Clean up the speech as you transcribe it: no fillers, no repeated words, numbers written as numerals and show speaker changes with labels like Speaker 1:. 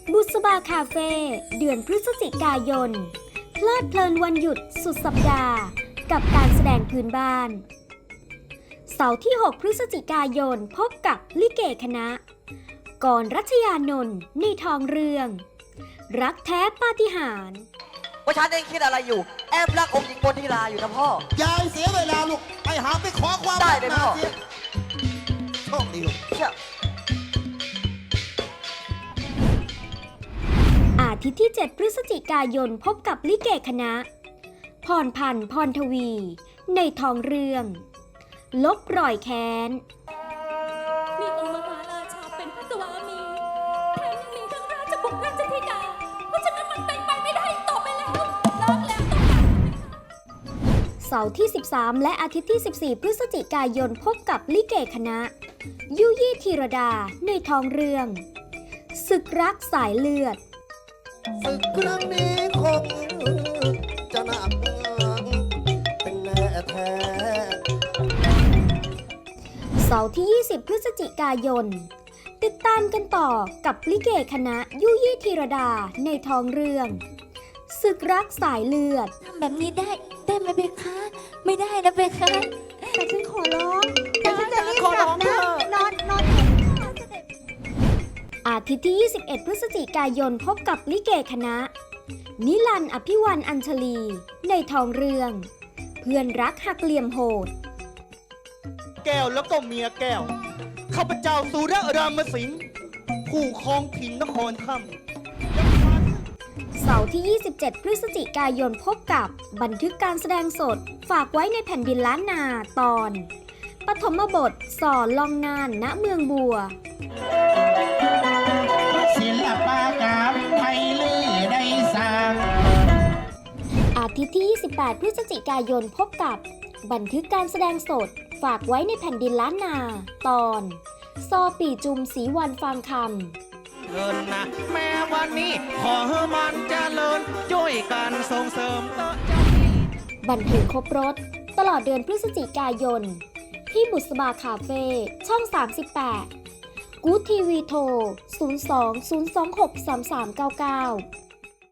Speaker 1: บุษบาคาเฟ่เดือนพฤศจิกายนเพลิดเพลินวันหยุดสุดสัปดาห์กับการแสดงพื้นบ้านเสาร์ที่ 6 พฤศจิกายนพบกับลิเกคณะกรรัชยานนท์ในทองเรืองรักแท้ปาฏิหาริย์
Speaker 2: ว่าฉันเองคิดอะไรอยู่แอบรักองค์หญิงบนทีลาอยู่นะพ่อย
Speaker 3: ายเสียเวลาลูกไปหาไปขอความ
Speaker 2: ได้เลยพ่อ
Speaker 3: เสียโชคดีลูก
Speaker 2: เชื่อ
Speaker 1: อาทิตย์ที่ 7 พฤศจิกายนพบกับลิเกคณะพรพันธ์พรทวีในทองเรืองลบรอยแค้น
Speaker 4: มีองค์มหาราชาเป็นพระสวามีแถมยังมีทั้งราชบุตรราชธิดาเพราะฉะนั้นมันเป็นไปไม่ได้ต่อไปแล้วเลิกแล้วต้องการ
Speaker 1: เสาร์ที่ 13 และอาทิตย์ที่ 14 พฤศจิกายนพบกับลิเกคณะยุยี่ธีรดาในทองเรืองศึกรักสายเลือด
Speaker 3: ศึกครั้งนี้คงจะหนักเป็นแน่แท้
Speaker 1: เสาร์ที่ 20 พฤศจิกายนติดตามกันต่อกับลิเกคณะยุยี่ธีรดาในทองเรืองศึกรักสายเลือด
Speaker 4: ทำแบบนี้ได้ไหมเบคะไม่ได้นะเบคะ
Speaker 5: แต่ฉันขอร้องแต่ฉันจะรีบกลับนะนอน
Speaker 1: อาทิตย์ที่ 21 พฤศจิกายนพบกับลิเกคณะนิรันดร์อภิวันอัญชลีในทองเรืองเพื่อนรักหักเหลี่ยมโหด
Speaker 3: แก้วแล้วก็เมียแก้วข้าพเจ้าสุรรามสิงห์ผู้ครองถิ่นนครค่
Speaker 1: ำเสาร์ที่ 27 พฤศจิกายนพบกับบันทึกการแสดงสดฝากไว้ในแผ่นดินล้านนาตอนปฐมบทสอนลองนานณเมืองบัว
Speaker 6: ศิลปกรรมไทยลือได้สร้าง
Speaker 1: อาทิตย์ที่ 28 พฤศจิกายนพบกับบันทึกการแสดงสดฝากไว้ในแผ่นดินล้านนาตอนซอปี่จุมศรีวันฟางคำ
Speaker 6: เงินนะแม้วันนี้ขอให้มันเจริญช่วยกันส่งเสริม
Speaker 1: บันเทิงครบรถตลอดเดือนพฤศจิกายนที่บุษบาคาเฟ่ช่อง 38กู๊ดทีวีโทร 02 026 3399